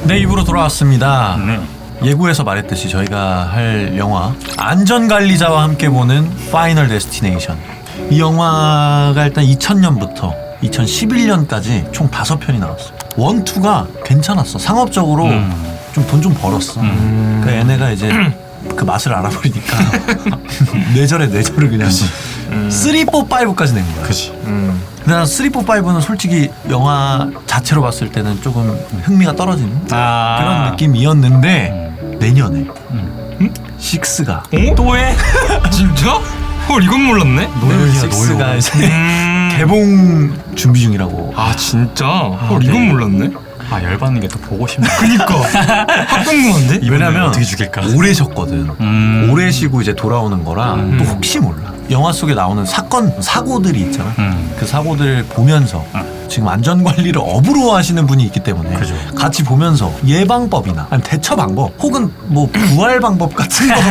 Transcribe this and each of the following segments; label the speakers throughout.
Speaker 1: 네, 입으로 돌아왔습니다.
Speaker 2: 네.
Speaker 1: 예고에서 말했듯이 저희가 할 영화 안전관리자와 함께 보는 파이널 데스티네이션. 이 영화가 일단 2000년부터 2011년까지 총 5편이 나왔어요. 1, 2가 괜찮았어. 상업적으로 좀 돈 좀 벌었어. 그 얘네가 이제 그 맛을 알아버리니까 뇌절에 뇌절을 그냥 3, 4, 5까지 낸 거야.
Speaker 2: 그치.
Speaker 1: 근데 난 3, 4, 5는 솔직히 영화 자체로 봤을 때는 조금 흥미가 떨어지는 그런 느낌이었는데 내년에 6가
Speaker 2: 또 해?
Speaker 3: 진짜? 헐 이건 몰랐네.
Speaker 1: 내년 6가 이제 개봉 준비 중이라고.
Speaker 3: 아 진짜? 헐
Speaker 2: 네.
Speaker 3: 이건 몰랐네.
Speaker 2: 아 열받는 게 또 보고 싶네.
Speaker 3: 그니까 확 궁금한데?
Speaker 1: 왜냐면
Speaker 2: 어떻게 죽일까?
Speaker 1: 오래 쉬었거든. 오래 쉬고 이제 돌아오는 거라 또 혹시 몰라. 영화 속에 나오는 사고들이 있잖아. 그 사고들 보면서 지금 안전관리를 업으로 하시는 분이 있기 때문에
Speaker 2: 그죠.
Speaker 1: 같이 보면서 예방법이나 아니면 대처 방법 혹은 뭐 부활 방법 같은 거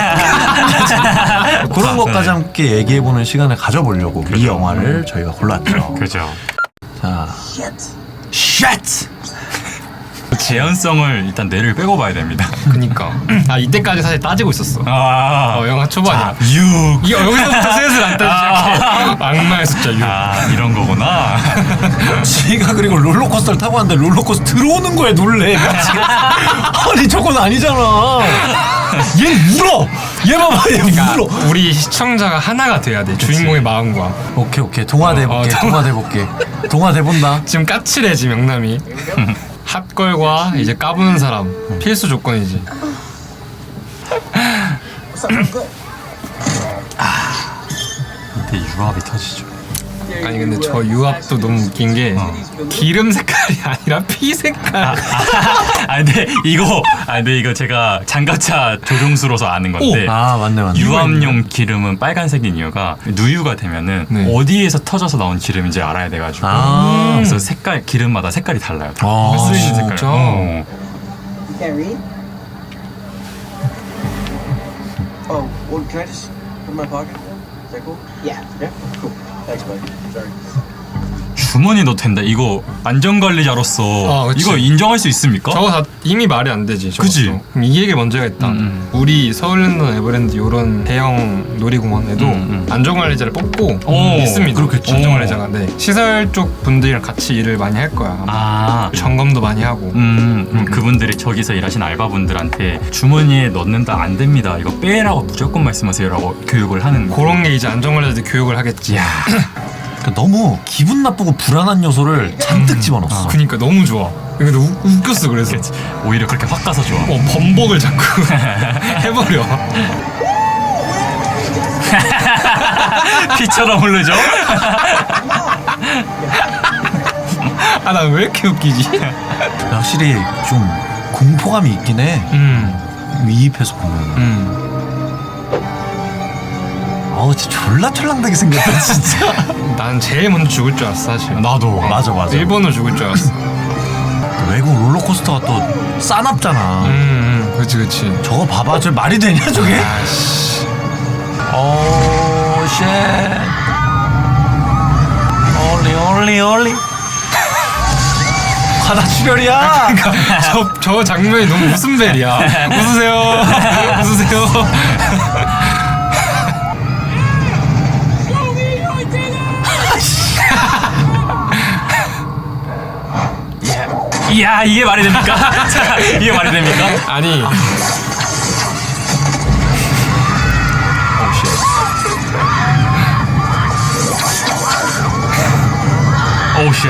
Speaker 1: 그런 것까지 함께 얘기해보는 시간을 가져보려고 이 영화를 저희가 골랐죠.
Speaker 2: 그죠.
Speaker 1: 자, 쉣!
Speaker 2: 재현성을 일단 뇌를 빼고 봐야 됩니다.
Speaker 3: 그니까. 아 이때까지 사실 따지고 있었어.
Speaker 2: 아,
Speaker 3: 영화 초반이야.
Speaker 2: 6.
Speaker 3: 이거 여기서부터 슬슬 안 따지기 시작해. 악마의 숫자 6.
Speaker 2: 아 이런 거구나.
Speaker 1: 지가 그리고 롤러코스터를 타고 왔는데 롤러코스터 들어오는 거에 놀래. 아니 저건 아니잖아. 얘 울어. 얘 봐봐, 얘 울어.
Speaker 3: 우리 시청자가 하나가 돼야 돼. 주인공의 마음과.
Speaker 1: 오케이 동화돼 볼게.
Speaker 3: 어,
Speaker 1: 동화돼 볼게. 동화돼 본다.
Speaker 3: 지금 까칠해지 명남이. 핫걸과 이제 까부는 사람 필수 조건이지.
Speaker 2: 이때 유압이 터지죠.
Speaker 3: 아니 근데 저 유압도 너무 웃긴 게 기름 색깔이 아니라 피 색깔.
Speaker 2: 근데 이거 제가 장갑차 조종수로서 아는 건데.
Speaker 1: 아 맞네.
Speaker 2: 유압용 기름은 빨간색인 이유가 누유가 되면은
Speaker 3: 네.
Speaker 2: 어디에서 터져서 나온 기름인지 알아야 돼가지고 그래서 기름마다 색깔이 달라요.
Speaker 1: 아,
Speaker 2: 쓰이는 색깔.
Speaker 3: 진짜?
Speaker 4: You can't read? Oh, well, can I just put in my pocket? Is that cool? Yeah. Yeah? Cool. Thanks, buddy. Sorry.
Speaker 2: 주머니 넣어도 된다. 이거 안전관리자로서
Speaker 3: 그치.
Speaker 2: 이거 인정할 수 있습니까?
Speaker 3: 저거 다 이미 말이 안 되지. 저것도.
Speaker 2: 그치?
Speaker 3: 그럼 이 얘기 먼저 해야겠다. 우리 서울랜드나 에버랜드 이런 대형 놀이공원에도 안전관리자를 뽑고 있습니다.
Speaker 2: 그렇겠죠.
Speaker 3: 안전관리자가. 네. 시설 쪽 분들이랑 같이 일을 많이 할 거야. 아마.
Speaker 2: 아,
Speaker 3: 점검도 많이 하고.
Speaker 2: 그분들이 저기서 일하신 알바분들한테 주머니에 넣는다 안 됩니다. 이거 빼라고 무조건 말씀하세요라고 교육을 하는
Speaker 3: 그런 게 이제 안전관리자들 교육을 하겠지.
Speaker 1: 그러니까 너무 기분 나쁘고 불안한 요소를 잔뜩 집어넣었어.
Speaker 3: 그니까 너무 좋아. 근데 웃겼어 그래서.
Speaker 2: 오히려 그렇게 확 가서 좋아.
Speaker 3: 범벅을 자꾸 해버려.
Speaker 2: 피처럼 흐르죠?
Speaker 3: 아 나 왜 이렇게 웃기지?
Speaker 1: 확실히 좀 공포감이 있긴 해. 위입해서 보면. 진짜 졸라 철랑되게 생겼다 진짜.
Speaker 3: 난 제일 먼저 죽을 줄 알았어 사실.
Speaker 2: 나도.
Speaker 1: 맞아.
Speaker 3: 일본으로 죽을 줄 알았어.
Speaker 1: 외국 롤러코스터가 또 싸납잖아.
Speaker 3: 그치.
Speaker 1: 저거 봐봐, 저 말이 되냐 저게?
Speaker 3: 아씨.
Speaker 1: 오 쉣. 올리. 과다 출혈이야.
Speaker 3: 저 장면이 너무 웃음벨이야. 웃으세요.
Speaker 2: 이야 이게 말이 됩니까? 이게 말이 됩니까?
Speaker 3: 아니.
Speaker 2: 오우 쉣.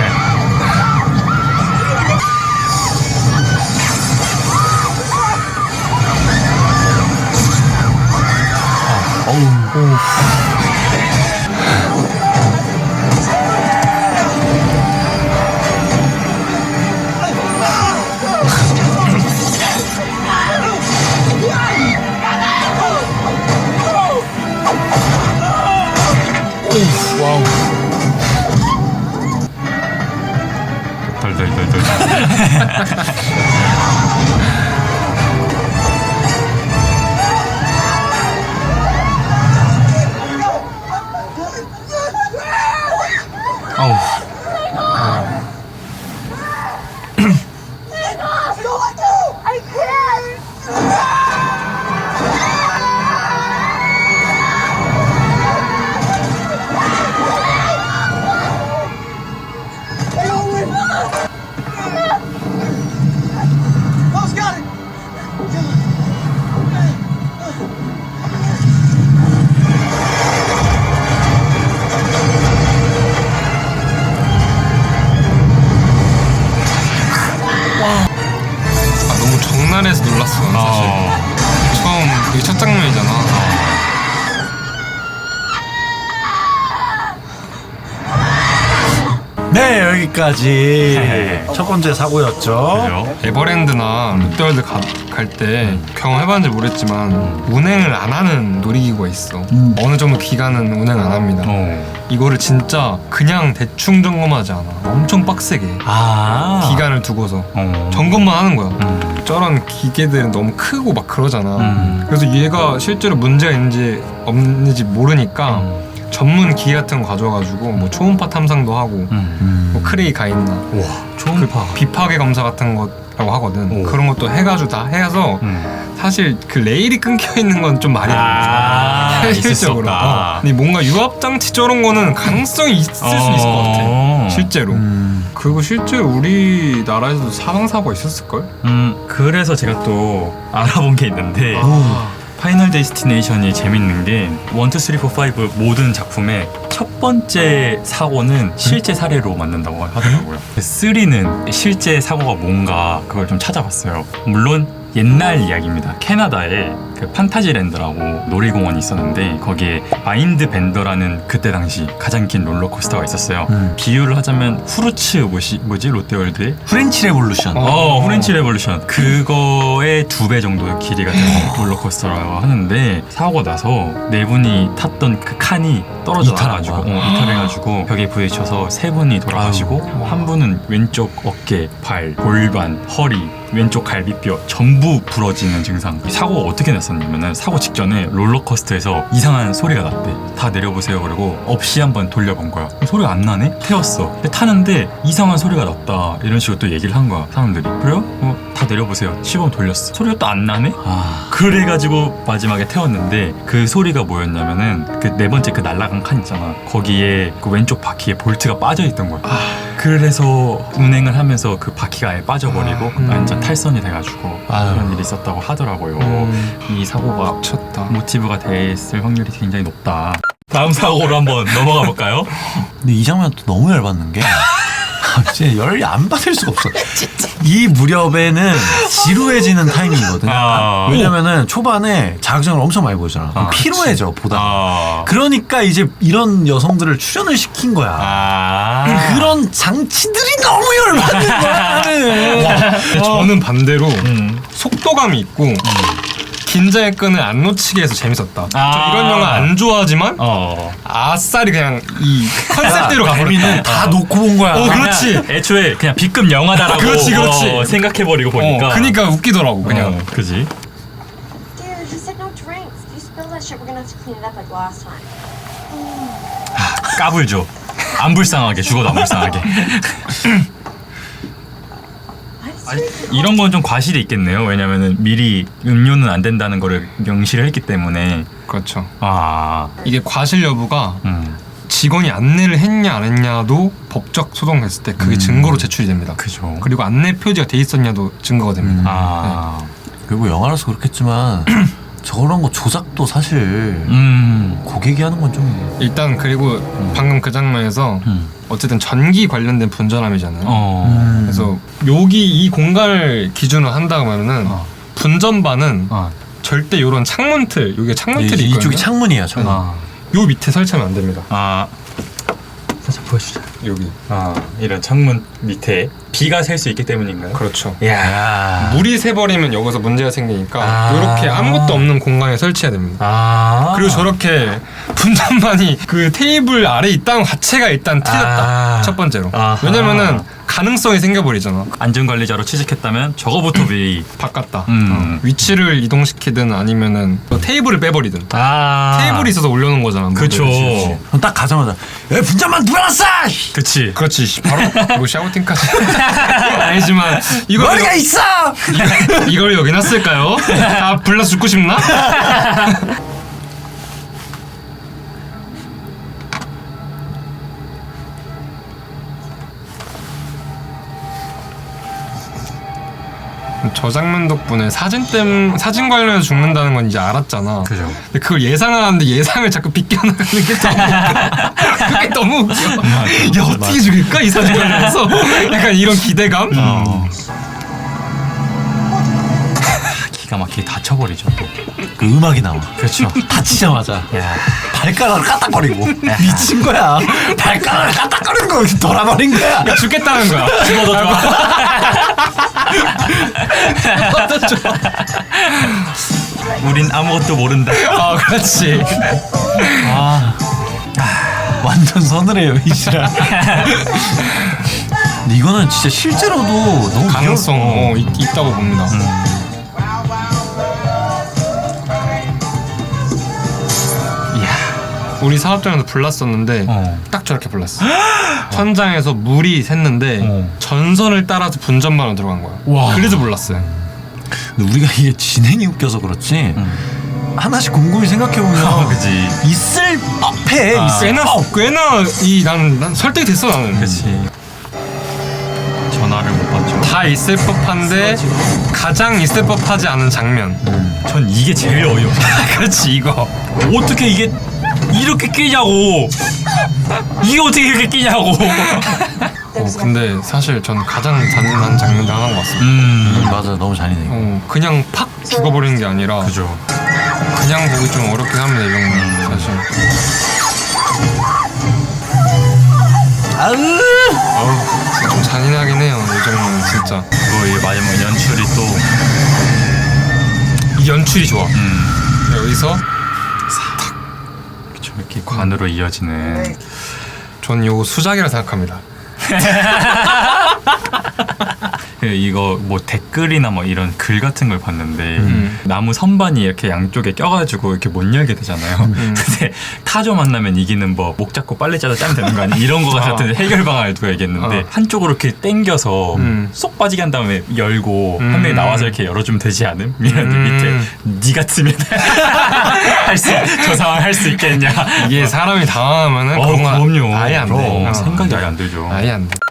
Speaker 3: 와우. 박나래에서 놀랐어 사실. 처음 이게 첫 장면이잖아.
Speaker 1: 네, 여기까지 첫 번째 사고였죠.
Speaker 2: 그래요?
Speaker 3: 에버랜드나 롯데월드 갈 때 경험해봤는지 모르겠지만 운행을 안 하는 놀이기구가 있어. 어느 정도 기간은 운행 안 합니다. 이거를 진짜 그냥 대충 점검하지 않아. 엄청 빡세게
Speaker 1: 아,
Speaker 3: 기간을 두고서 점검만 하는 거야. 저런 기계들은 너무 크고 막 그러잖아. 그래서 얘가 실제로 문제가 있는지 없는지 모르니까 전문 기계 같은 거 가져와가지고 뭐 초음파 탐상도 하고 뭐 크레이 가 있나
Speaker 1: 와, 초음파.
Speaker 3: 그 비파괴 검사 같은 거라고 하거든. 그런 것도 해가지고 다 해서 사실 그 레일이 끊겨 있는 건 좀 말이 안 돼.
Speaker 2: 있을 수
Speaker 3: 현실적으로.
Speaker 2: 없다.
Speaker 3: 근데 뭔가 유압 장치 저런 거는 가능성이 있을 수 있을 것 같아. 실제로. 그리고 실제 우리나라에서도 사망 사고가 있었을 걸?
Speaker 2: 그래서 제가 또 알아본 게 있는데 파이널 데스티네이션이 재밌는 게 1, 2, 3, 4, 5 모든 작품의 첫 번째 사고는 실제 사례로 만든다고 하더라고요. 3는 실제 사고가 뭔가 그걸 좀 찾아봤어요. 물론 옛날 이야기입니다. 캐나다에 그 판타지랜드라고 놀이공원이 있었는데 거기에 마인드 벤더라는 그때 당시 가장 긴 롤러코스터가 있었어요. 비유를 하자면 후르츠 뭐지 롯데월드의
Speaker 1: 프렌치 레볼루션.
Speaker 2: 프렌치 레볼루션 그거의 2배 정도의 길이가 되는 롤러코스터라고 하는데 사고가 나서 네 분이 탔던 그 칸이 떨어져가지고 이탈해가지고 벽에 부딪혀서 세 분이 돌아가시고 한 분은 왼쪽 어깨, 발, 골반, 허리, 왼쪽 갈비뼈 전부 부러지는 증상. 사고가 어떻게 났었냐면은 사고 직전에 롤러코스터에서 이상한 소리가 났대. 다 내려보세요. 그리고 없이 한번 돌려본 거야. 소리가 안 나네? 태웠어. 근데 타는데 이상한 소리가 났다. 이런 식으로 또 얘기를 한 거야. 사람들이. 그래요? 다 내려보세요. 시범 돌렸어. 소리가 또 안 나네? 그래가지고 마지막에 태웠는데 그 소리가 뭐였냐면은 그 네 번째 그 날라간 칸 있잖아. 거기에 그 왼쪽 바퀴에 볼트가 빠져있던 거야. 그래서 운행을 하면서 그 바퀴가 아예 빠져버리고 완전 탈선이 돼가지고 그런 일이 있었다고 하더라고요. 이 사고가
Speaker 3: 쳤다.
Speaker 2: 모티브가 됐을 확률이 굉장히 높다. 다음 사고로 한번 넘어가 볼까요?
Speaker 1: 근데 이 장면 또 너무 열받는 게 진짜 열이 안 받을 수가 없어. 이 무렵에는 지루해지는 타이밍이거든. 왜냐면은 초반에 자극적을 엄청 많이 보여주잖아. 그럼 피로해져 보다. 그러니까 이제 이런 여성들을 출연을 시킨 거야. 그런 장치들이 너무 열받는 거야. 나는.
Speaker 3: 저는 반대로 속도감이 있고 긴장의 끈을 안 놓치게 해서 재밌었다. 저 이런 영화 안 좋아하지만 아싸리 그냥 이 컨셉대로 가버렸다.
Speaker 1: 재미는 다 놓고 본 거야.
Speaker 3: 그렇지.
Speaker 2: 애초에 그냥 B급 영화다라고
Speaker 3: 그렇지.
Speaker 2: 생각해버리고 보니까
Speaker 3: 그러니까 웃기더라고 그냥.
Speaker 2: 그지?
Speaker 5: Dude, he said no drinks. If you spill that shit, we're gonna have to clean it up like last time.
Speaker 2: 까불죠. 안 불쌍하게 죽어도 안 불쌍하게. 이런 건 좀 과실이 있겠네요. 왜냐면은 미리 음료는 안 된다는 거를 명시를 했기 때문에.
Speaker 3: 그렇죠.
Speaker 2: 이게
Speaker 3: 이게 과실 여부가 직원이 안내를 했냐 안 했냐도 법적 소송했을 때 그게 증거로 제출이 됩니다.
Speaker 2: 그죠.
Speaker 3: 그리고 안내 표지가 돼 있었냐도 증거가 됩니다.
Speaker 1: 그리고 영화라서 그렇겠지만 저런 거 조작도 사실 고객이 하는 건 좀
Speaker 3: 일단 그리고 방금 그 장면에서 어쨌든 전기 관련된 분전함이잖아요. 그래서 여기 이 공간을 기준으로 한다고 하면은 분전반은 절대 요런 창문틀, 여기가 창문틀이 있거든요.
Speaker 1: 이쪽이 창문이야. 창문.
Speaker 3: 요 밑에 설치하면 안 됩니다.
Speaker 2: 살짝 보여주자.
Speaker 3: 여기.
Speaker 2: 이런 창문 밑에 비가 셀 수 있기 때문인가요?
Speaker 3: 그렇죠.
Speaker 2: 야.
Speaker 3: 물이 새버리면 여기서 문제가 생기니까 이렇게 아무것도 없는 공간에 설치해야 됩니다. 그리고 저렇게 분전반이 그 테이블 아래 있다는 자체가 일단 틀렸다. 첫 번째로. 왜냐면은 가능성이 생겨버리잖아.
Speaker 2: 안전관리자로 취직했다면 저거부터 미리
Speaker 3: 바꿨다. 위치를 이동시키든 아니면은 테이블을 빼버리든. 테이블이 있어서 올려놓은 거잖아.
Speaker 2: 그쵸.
Speaker 1: 그럼 딱 가자마자 야 분장만 누워놨어!
Speaker 2: 그치.
Speaker 3: 그렇지. 바로 뭐 샤우팅까지. 아니지만 이걸
Speaker 1: 머리가 있어!
Speaker 3: 이걸 여기 놨을까요? 다 불러 죽고 싶나? 저 장면 덕분에 사진 관련해서 죽는다는 건 이제 알았잖아.
Speaker 2: 그죠.
Speaker 3: 근데 그걸 예상하는데 예상을 자꾸 비껴나가는 게 그게 너무 웃겨. 야 어떻게 죽일까 이 사진 관련해서 약간 이런 기대감.
Speaker 2: 기가 막히게 다쳐버리죠. 또.
Speaker 1: 그 음악이 나와.
Speaker 2: 그렇죠.
Speaker 1: 다치자마자 발가락을 까딱거리고 미친 거야. 발가락을 까딱거리는 거 돌아버린 거야.
Speaker 3: 죽겠다는 거야.
Speaker 2: 죽어도 좋아. 우린 아무것도 모른다.
Speaker 3: 아 그렇지.
Speaker 1: 완전 서늘해요 이시라. 근데 이거는 진짜 실제로도 너무
Speaker 3: 가능성 있다고 봅니다. 이야, 우리 사업장에서 불났었는데 딱 저렇게 불났어. 천장에서 물이 샜는데 전선을 따라서 분전반으로 들어간 거야.
Speaker 2: 와.
Speaker 3: 그래서 불났어요.
Speaker 1: 근데 우리가 이게 진행이 웃겨서 그렇지 하나씩 곰곰이 생각해보면
Speaker 2: 그지.
Speaker 1: 있을 법해.
Speaker 3: 꽤나 난 설득이 됐어 나는.
Speaker 2: 그렇지. 전화를 못 받죠.
Speaker 3: 다 있을 법한데 가장 있을 법하지 않은 장면.
Speaker 2: 전 이게 제일 어이없어.
Speaker 3: 그렇지 이거.
Speaker 2: 어떻게 이게 이렇게 끼냐고. 이게 어떻게 이렇게 끼냐고.
Speaker 3: 근데 사실 전 가장 잔인한 장면 중 하나인 것 같습니다.
Speaker 1: 맞아, 너무 잔인해.
Speaker 3: 그냥 팍 죽어버리는 게 아니라
Speaker 2: 그죠.
Speaker 3: 그냥 보기 좀 어렵긴 합니다 이 정도는 사실.
Speaker 1: 아으!
Speaker 3: 진짜 좀 잔인하긴 해요 이 정도는 진짜.
Speaker 2: 그거 이 마지막 연출이 또
Speaker 3: 이 연출이 좋아. 여기서
Speaker 2: 그쵸, 이렇게 관으로 이어지는.
Speaker 3: 전 이거 수작이라 생각합니다.
Speaker 2: 이거 뭐 댓글이나 뭐 이런 글 같은 걸 봤는데 나무 선반이 이렇게 양쪽에 껴가지고 이렇게 못 열게 되잖아요. 근데 타조 만나면 이기는 법, 목 잡고 빨리 짜서 짜면 되는 거 아니야? 이런 거 같은 해결 방안을 누가 얘기했는데 한쪽으로 이렇게 당겨서 쏙 빠지게 한 다음에 열고 한 명이 나와서 이렇게 열어주면 되지 않음? 이랬는데 밑에 니 같으면 저 상황 할 수 있겠냐?
Speaker 3: 이게 사람이 당하면은 그런 거
Speaker 2: 그럼요.
Speaker 3: 아예 안 돼.
Speaker 2: 그럼. 생각이 아예 안 들죠.
Speaker 3: 아예 안 돼.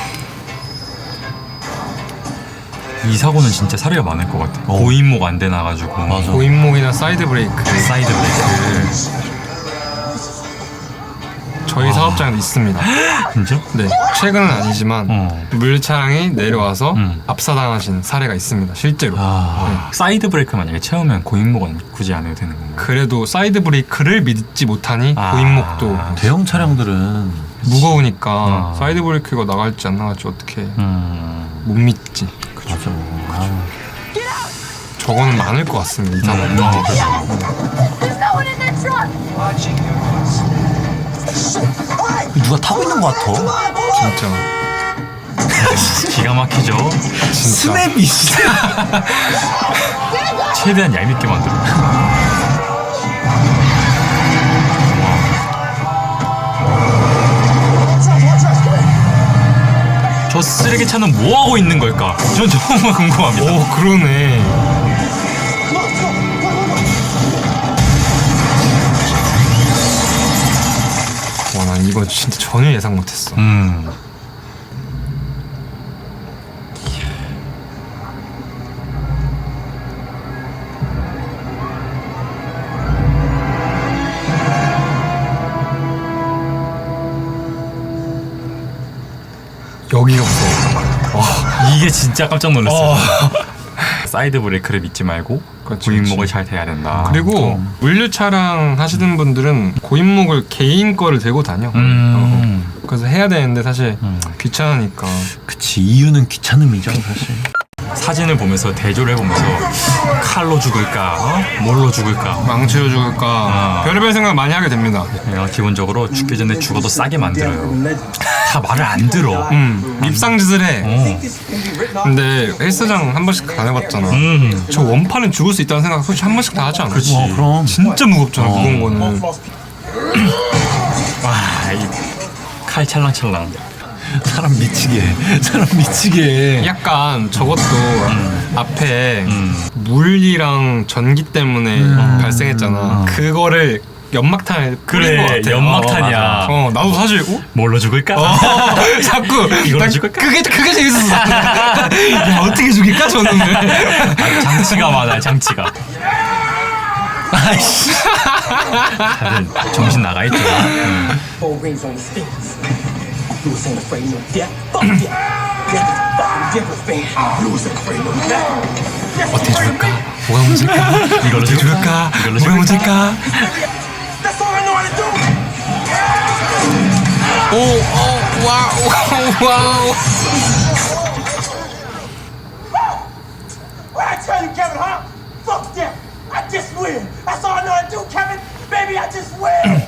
Speaker 2: 이 사고는 진짜 사례가 많을 것 같아. 고인목 안 돼 나가지고.
Speaker 1: 맞아.
Speaker 3: 고인목이나 사이드 브레이크.
Speaker 2: 사이드 브레이크.
Speaker 3: 저희 사업장에도 있습니다.
Speaker 2: 진짜?
Speaker 3: 네, 최근은 아니지만 물차량이 내려와서
Speaker 2: 음.
Speaker 3: 압사당하신 사례가 있습니다. 실제로.
Speaker 2: 사이드 브레이크 만약에 채우면 고인목은 굳이 안 해도 되는 건가요?
Speaker 3: 그래도 사이드 브레이크를 믿지 못하니 고인목도
Speaker 1: 대형 차량들은
Speaker 3: 무거우니까 사이드 브레이크가 나갈지 안 나갈지 어떻게 못 믿지.
Speaker 1: 맞아.
Speaker 3: 저거는 많을 것 같습니다. 이 상황은.
Speaker 5: There's no one in that truck!
Speaker 1: 누가 타고 있는 것 같아.
Speaker 3: 진짜.
Speaker 2: 기가 막히죠?
Speaker 3: 진짜.
Speaker 1: 스냅이
Speaker 2: 최대한 얄밉게 만들어. 저 쓰레기차는 뭐 하고 있는 걸까? 전 정말 궁금합니다.
Speaker 3: 오, 그러네. 와, 난 이거 진짜 전혀 예상 못했어. 여기가 무서워.
Speaker 2: 이게 진짜 깜짝 놀랐어요. 사이드 브레이크를 믿지 말고
Speaker 3: 그렇지,
Speaker 2: 고인목을
Speaker 3: 그렇지.
Speaker 2: 잘 대야 된다.
Speaker 3: 그리고 물류 차량 하시는 분들은 고인목을 개인 거를 들고 다녀. 그래서 해야 되는데 사실 귀찮으니까.
Speaker 1: 그치, 이유는 귀찮음이죠 사실.
Speaker 2: 사진을 보면서 대조를 해보면서 칼로 죽을까, 뭘로 죽을까.
Speaker 3: 망치로 죽을까 별의별 생각 많이 하게 됩니다.
Speaker 2: 그냥 기본적으로 죽기 전에 죽어도 싸게 만들어요. 다 말을 안 들어.
Speaker 3: 밉상짓을 해. 근데 헬스장 한 번씩 다녀봤잖아. 저 원판은 죽을 수 있다는 생각 솔직히 한 번씩 다 하지 않아?
Speaker 2: 그렇지.
Speaker 1: 그럼.
Speaker 3: 진짜 무겁잖아 무거운 거는.
Speaker 2: 와, 이 칼 찰랑찰랑.
Speaker 1: 사람 미치게 해. 사람 미치게 해.
Speaker 3: 약간 저것도 앞에 물이랑 전기 때문에 발생했잖아. 그거를 연막탄을 뿌린 것 같아.
Speaker 2: 연막탄이야.
Speaker 3: 나도 사실
Speaker 2: 뭘로 죽을까?
Speaker 3: 자꾸
Speaker 2: 이걸로
Speaker 3: 난
Speaker 2: 죽을까?
Speaker 3: 그게 재밌었어. 야, 어떻게 죽일까 저놈을.
Speaker 2: 장치가 많아, 장치가.
Speaker 1: 아이씨.
Speaker 2: 다들 정신 나가 있죠.
Speaker 4: Four rings on his fingers. Blues ain't afraid no death. Fuck yeah. Death is fucking different, man. Blues ain't afraid no death.
Speaker 3: 어떻게 죽을까? 뭐가 문제일까?
Speaker 2: 이걸로
Speaker 3: 어떻게 줄까?
Speaker 2: 이걸로
Speaker 3: 뭐가 문제일까?
Speaker 4: That's all I know how to do.
Speaker 3: 와우.
Speaker 4: What I tell you, Kevin, huh? Fuck that. I just win. That's all I know how to do, Kevin. Baby, I just win.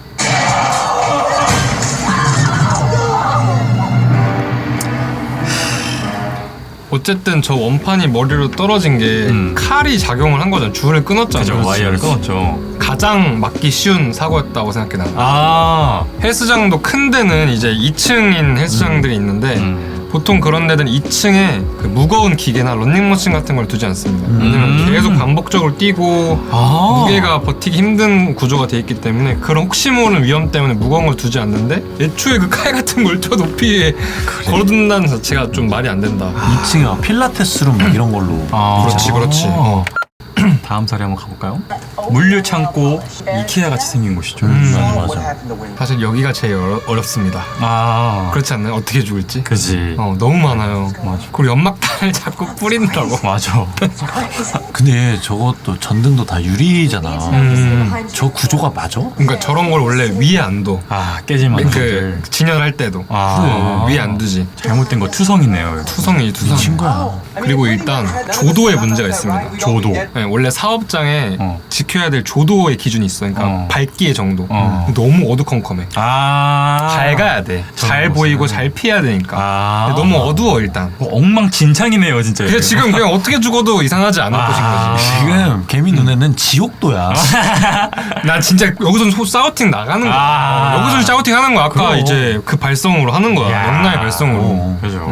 Speaker 3: 어쨌든 저 원판이 머리로 떨어진 게 칼이 작용을 한 거잖아. 줄을 끊었잖아.
Speaker 2: 그죠, 와이어를 끊었죠.
Speaker 3: 가장 막기 쉬운 사고였다고 생각해 난.
Speaker 2: 아,
Speaker 3: 헬스장도 큰 데는 이제 2층인 헬스장들이 있는데 보통 그런 데는 2층에 그 무거운 기계나 런닝머신 같은 걸 두지 않습니다. 왜냐면 계속 반복적으로 뛰고 무게가 버티기 힘든 구조가 돼 있기 때문에 그런 혹시 모르는 위험 때문에 무거운 걸 두지 않는데 애초에 그 칼 같은 걸 저 높이에 걸어둔다는 자체가 좀 말이 안 된다.
Speaker 1: 2층에 막 필라테스룸 막 이런 걸로.
Speaker 3: 그렇지.
Speaker 2: 다음 사례 한번 가볼까요? 물류 창고 이케아 같이 생긴 곳이죠.
Speaker 1: 맞아.
Speaker 4: What happened to win?
Speaker 3: 사실 여기가 제일 어렵습니다.
Speaker 2: 아,
Speaker 3: 그렇지 않나요? 어떻게 죽을지?
Speaker 2: 그지.
Speaker 3: 너무 많아요. 맞아. 그리고 연막탄을 자꾸 뿌린다고.
Speaker 2: 맞아.
Speaker 1: 근데 저것도 전등도 다 유리잖아. 저 구조가 맞아?
Speaker 3: 그러니까 저런 걸 원래 위에 안 둬.
Speaker 2: 아, 깨질 만한 것들.
Speaker 3: 그 진열할 때도
Speaker 2: 아,
Speaker 3: 위에 안 두지.
Speaker 2: 잘못된 거 투성이네요.
Speaker 3: 투성이.
Speaker 1: 미친 거야.
Speaker 3: 그리고 일단 조도에 문제가 있습니다.
Speaker 2: 조도.
Speaker 3: 네, 원래 사업장에
Speaker 2: 어.
Speaker 3: 지켜야 될 조도의 기준이 있어. 그러니까 밝기의 정도.
Speaker 2: 어.
Speaker 3: 너무 어두컴컴해.
Speaker 2: 아,
Speaker 3: 밝아야 돼. 잘
Speaker 2: 저런
Speaker 3: 보이고
Speaker 2: 것은.
Speaker 3: 잘 피해야 되니까.
Speaker 2: 아,
Speaker 3: 근데 너무 어두워 일단.
Speaker 2: 엉망진창이네요, 진짜.
Speaker 3: 그냥 지금 그냥 어떻게 죽어도 이상하지 않을
Speaker 2: 아.
Speaker 3: 것인 거지.
Speaker 1: 지금 개미 눈에는 지옥도야.
Speaker 3: 난 진짜 여기서 사우팅 나가는 거야.
Speaker 2: 아.
Speaker 3: 여기서 사우팅 하는 거야. 아까
Speaker 1: 그럼.
Speaker 3: 이제 그 발성으로 하는 거야.
Speaker 2: 야.
Speaker 3: 영나의 발성으로.
Speaker 1: 어.
Speaker 2: 그죠.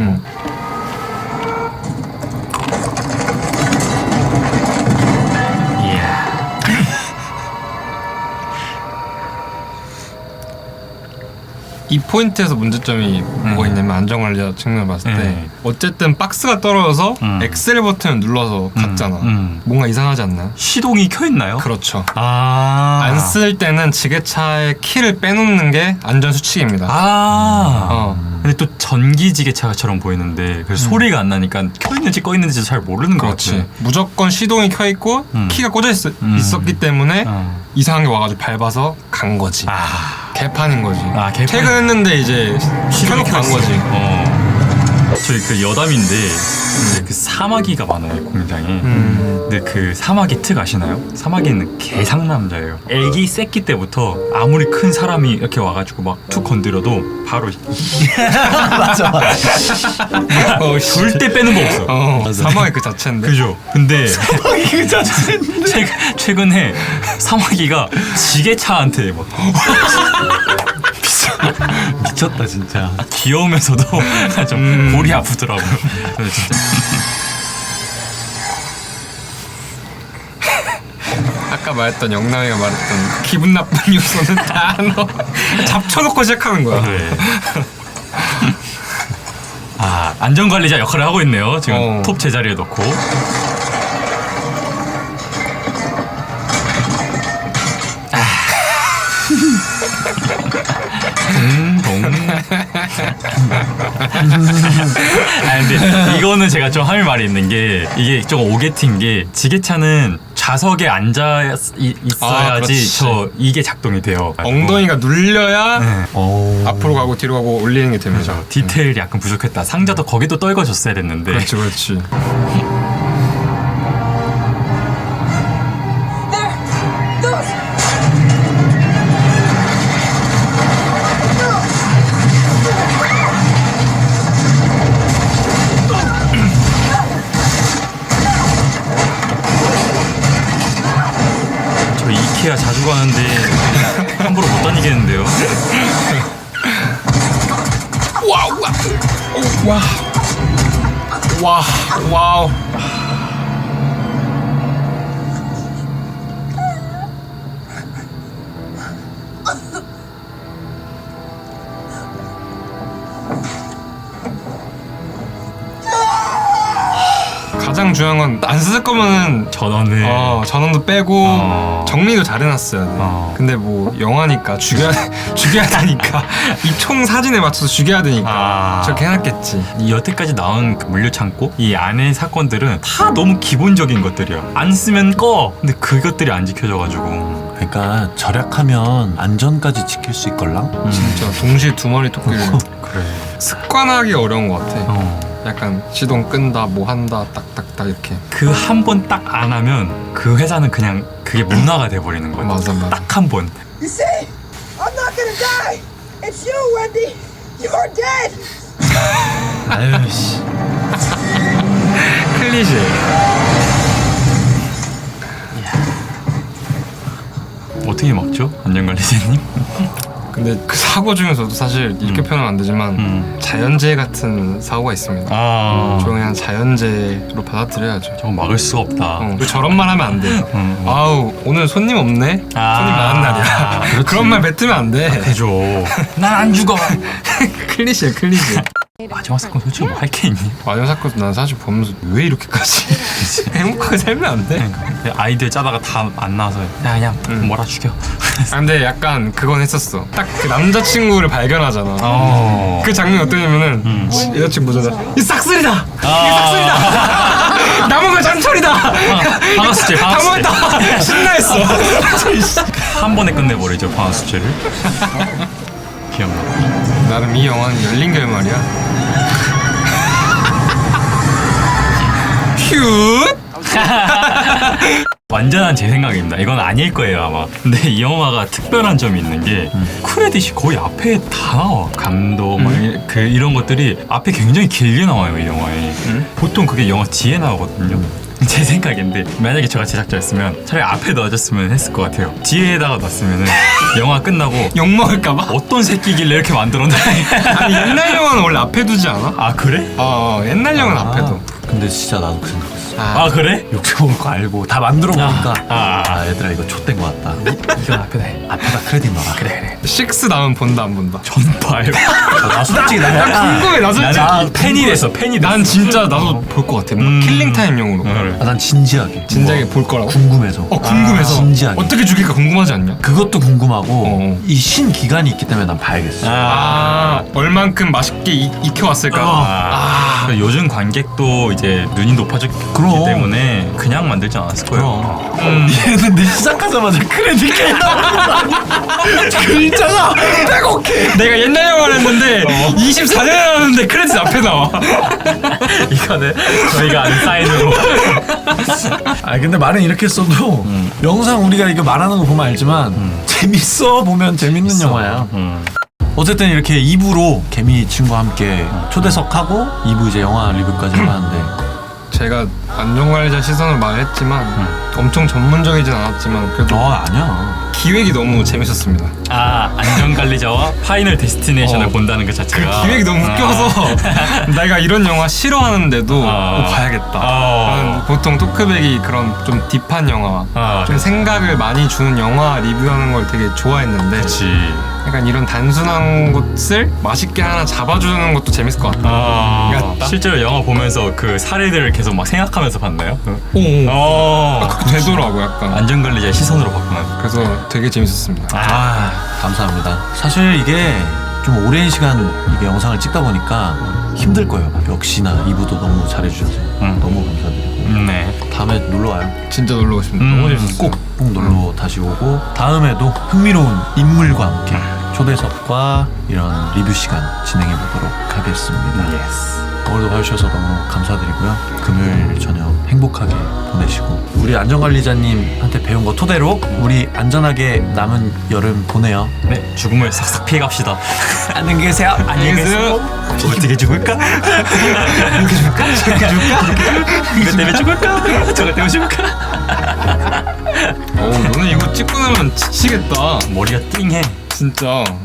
Speaker 2: 이야.
Speaker 3: 이 포인트에서 문제점이 뭐가 있냐면 안전관리자 측면을 봤을 때
Speaker 2: 네.
Speaker 3: 어쨌든 박스가 떨어져서 엑셀 버튼을 눌러서 갔잖아.
Speaker 2: 음.
Speaker 3: 뭔가 이상하지 않나요?
Speaker 2: 시동이 켜 있나요?
Speaker 3: 그렇죠.
Speaker 2: 아.
Speaker 3: 안 쓸 때는 지게차의 키를 빼놓는 게 안전 수칙입니다.
Speaker 2: 아. 근데 또 전기 지게차처럼 보이는데 그래서 소리가 안 나니까 켜 있는지 꺼 있는지 잘 모르는 것
Speaker 3: 그렇지.
Speaker 2: 같아.
Speaker 3: 무조건 시동이 켜 있고 키가 꽂혀 있었기 때문에 이상한 게 와가지고 밟아서 간 거지. 개판인 거지.
Speaker 2: 개판.
Speaker 3: 퇴근했는데 이제 켜놓고 간 거지.
Speaker 2: 저희 그 여담인데 이제 그 사마귀가 많아요 공장에. 근데 그 사마귀 특 아시나요? 사마귀는 개상남자예요. 애기 새끼 때부터 아무리 큰 사람이 이렇게 와가지고 막 툭 건드려도 바로
Speaker 1: 맞아.
Speaker 2: 절대 빼는 거 없어.
Speaker 3: 사망의 그 자체인데.
Speaker 2: 그죠? 근데
Speaker 1: 그 자체인데.
Speaker 2: 최근에 사마귀가 지게차한테 막
Speaker 1: 미쳤다 진짜.
Speaker 2: 귀여우면서도 좀 골이 아프더라고요. 그래서 진짜
Speaker 3: 아까 말했던 영남이가 말했던 기분 나쁜 요소는 다 너 잡쳐놓고 시작하는 거야.
Speaker 2: 네. 아, 안전관리자 역할을 하고 있네요. 지금 톱 제자리에 넣고. 근데 이거는 제가 좀 할 말이 있는 게 이게 좀 오게티인 게 지게차는 좌석에 앉아 있어야지 이게 작동이 돼요.
Speaker 3: 엉덩이가 눌려야
Speaker 2: 네.
Speaker 3: 앞으로 가고 뒤로 가고 올리는 게 됩니다.
Speaker 2: 디테일이 약간 부족했다. 상자도 거기도 떨궈줬어야 됐는데.
Speaker 3: 그렇지.
Speaker 5: There! Those!
Speaker 2: 저 이케아 자주 가는데 함부로 못 다니겠는데요.
Speaker 3: 와우. 가장 가장 중요한 건 안 쓸 거면은
Speaker 2: 전원을
Speaker 3: 전원도 빼고 정리도 잘 해놨어야 돼. 근데 뭐 영화니까 죽여야 되니까 이 총 사진에 맞춰서 죽여야 되니까 저렇게 해놨겠지.
Speaker 2: 이 여태까지 나온 그 물류 창고 이 안의 사건들은 다 너무 기본적인 것들이야. 안 쓰면 꺼. 근데 그것들이 안 지켜져가지고.
Speaker 1: 그러니까 절약하면 안전까지 지킬 수 있걸랑?
Speaker 3: 진짜 동시에 두 마리 토끼를
Speaker 2: 그래.
Speaker 3: 습관하기 어려운 것 같아. 약간 시동 끈다 뭐 한다 딱딱딱 이렇게.
Speaker 2: 그 한 번 딱 안 하면 그 회사는 그냥 그게 문화가 돼버리는 거야.
Speaker 3: 맞아.
Speaker 2: 딱 한 번.
Speaker 4: You see, I'm not gonna die. It's you, Wendy. You're dead.
Speaker 1: 아유 씨.
Speaker 3: 클리셰.
Speaker 2: 어떻게 막죠? 안전관리사님?
Speaker 3: 근데 그 사고 중에서도 사실 이렇게 표현하면 안 되지만 자연재해 같은 사고가 있습니다. 저 그냥 자연재해로 받아들여야죠.
Speaker 2: 저거 막을 수가 없다.
Speaker 3: 저런 말 하면 안 돼. 아우 오늘 손님 없네. 손님 많은 날이야.
Speaker 1: 그렇지.
Speaker 3: 그런 말 뱉으면 안 돼.
Speaker 2: 해줘. 난 안 죽어.
Speaker 3: 클리셰.
Speaker 2: 마지막 사건 솔직히 뭐 할 게 있니?
Speaker 3: 마지막 사건 난 사실 보면서 왜 이렇게까지 행복하게 살면 안 돼?
Speaker 2: 아이디어 짜다가 다 안 나와서 야 그냥 몰아 죽여.
Speaker 3: 근데 약간 그건 했었어. 딱 그 남자친구를 발견하잖아. 그 장면이 어떠냐면은 여자친구 보잖아. 이 싹쓸이다. 이게 싹쓸이다. 남은 건 장철이다.
Speaker 2: 방아수질.
Speaker 3: 다 모였다. 신나했어.
Speaker 2: 한 번에 끝내버리죠 방아수질을. 기억나.
Speaker 3: 나름 이 영화는 열린 결말이야. 큐.
Speaker 2: 완전한 제 생각입니다. 이건 아닐 거예요 아마. 근데 이 영화가 특별한 점이 있는 게 크레딧이 거의 앞에 다 나와. 감독 그 이런 것들이 앞에 굉장히 길게 나와요 이 영화에. 보통 그게 영화 뒤에 나오거든요. 제 생각인데 만약에 제가 제작자였으면 차라리 앞에 넣어줬으면 했을 것 같아요. 뒤에다가 놨으면은 영화 끝나고
Speaker 3: 욕 먹을까봐?
Speaker 2: 어떤 새끼길래 이렇게 만들었나.
Speaker 3: 아니 옛날 영화는 원래 앞에 두지 않아?
Speaker 2: 아 그래?
Speaker 3: 옛날 영화는 앞에 둬.
Speaker 1: 근데 진짜 나도 그 생각했어.
Speaker 2: 아 그래?
Speaker 1: 욕먹을 거 알고 다 만들어 보니까
Speaker 2: 아.
Speaker 1: 얘들아 이거 좆된 거 같다.
Speaker 2: 이건 앞에다 해.
Speaker 1: 앞에다 크레딧 넣어라.
Speaker 2: 그래.
Speaker 3: 6 나오면 본다 안 본다?
Speaker 2: 전 봐요.
Speaker 1: 나 솔직히 나
Speaker 3: 나 궁금해. 나 솔직히
Speaker 2: 나는 팬이 됐어. 팬이 됐어.
Speaker 3: 난 진짜 나도 볼 것 같아. 뭔가 킬링 타임용으로.
Speaker 2: 그래.
Speaker 1: 난 진지하게.
Speaker 3: 진작에 볼 거라고.
Speaker 1: 궁금해서.
Speaker 3: 궁금해서.
Speaker 1: 진지하게.
Speaker 3: 어떻게 죽일까 궁금하지 않냐?
Speaker 1: 그것도 궁금하고
Speaker 3: 어.
Speaker 1: 이 신 기간이 있기 때문에 난 봐야겠어.
Speaker 3: 얼만큼 맛있게 익혀왔을까?
Speaker 2: 그러니까 요즘 관객도 이제 눈이 높아졌기
Speaker 1: 그럼.
Speaker 2: 때문에 그냥 만들지 않았을 거예요.
Speaker 1: 얘는 내 시작하자마자 크레딧 글자가 빼곡해.
Speaker 3: 내가 옛날 영화를 했는데 24년에 나왔는데 크레딧 앞에 나와.
Speaker 2: 이거는 저희가 아는 사인으로.
Speaker 1: 아 근데 말은 이렇게 써도 영상 우리가 이거 말하는 거 보면 알지만 재밌어. 보면 재밌는 영화야. 어쨌든 이렇게 2부로 개미 친구와 함께 초대석하고 2부 이제 영화 리뷰까지 하는데
Speaker 3: 제가 안전관리자 시선으로 말했지만 엄청 전문적이진 않았지만 그래도
Speaker 1: 아니야.
Speaker 3: 기획이 너무 재밌었습니다.
Speaker 2: 안전관리자와 파이널 데스티네이션을 본다는 것
Speaker 3: 그
Speaker 2: 자체가
Speaker 3: 기획이 너무 웃겨서 내가 이런 영화 싫어하는데도 봐야겠다. 나는 보통 토크백이 그런 좀 딥한 영화, 좀 생각을 많이 주는 영화 리뷰하는 걸 되게 좋아했는데
Speaker 2: 그치.
Speaker 3: 약간 이런 단순한 것을 맛있게 하나 잡아주는 것도 재밌을 것 같다. 같다?
Speaker 2: 실제로 영화 보면서 그 사례들을 계속 막 생각하면서 봤나요?
Speaker 3: 그렇게 되더라고 약간.
Speaker 2: 안전관리자 시선으로 봤구나.
Speaker 3: 그래서 되게 재밌었습니다.
Speaker 1: 감사합니다. 사실 이게 좀 오랜 시간 이게 영상을 찍다 보니까 힘들 거예요. 역시나 2부도 너무 잘해주셔서 너무 감사드리고
Speaker 2: 네.
Speaker 1: 다음에 놀러와요.
Speaker 3: 진짜 놀러 오십니다. 너무 재밌었어요.
Speaker 1: 꼭 놀러 다시 오고 다음에도 흥미로운 인물과 함께 초대석과 이런 리뷰 시간 진행해 보도록 하겠습니다. 오늘도 봐주셔서 너무 감사드리고요. 금요일 저녁 행복하게 보내시고 우리 안전관리자님한테 배운 거 토대로 우리 안전하게 남은 여름 보내요.
Speaker 2: 네. 죽음을 싹싹 피해갑시다.
Speaker 1: 안녕히 계세요.
Speaker 2: 안녕히 계세요. 어떻게 죽을까? 이렇게 죽을까? 이렇게 죽을까? 이거 때문에 죽을까? 저거 때문에 죽을까?
Speaker 3: 너는 이거 찍고 나면 지치겠다.
Speaker 2: 머리가 띵해.
Speaker 3: 진짜.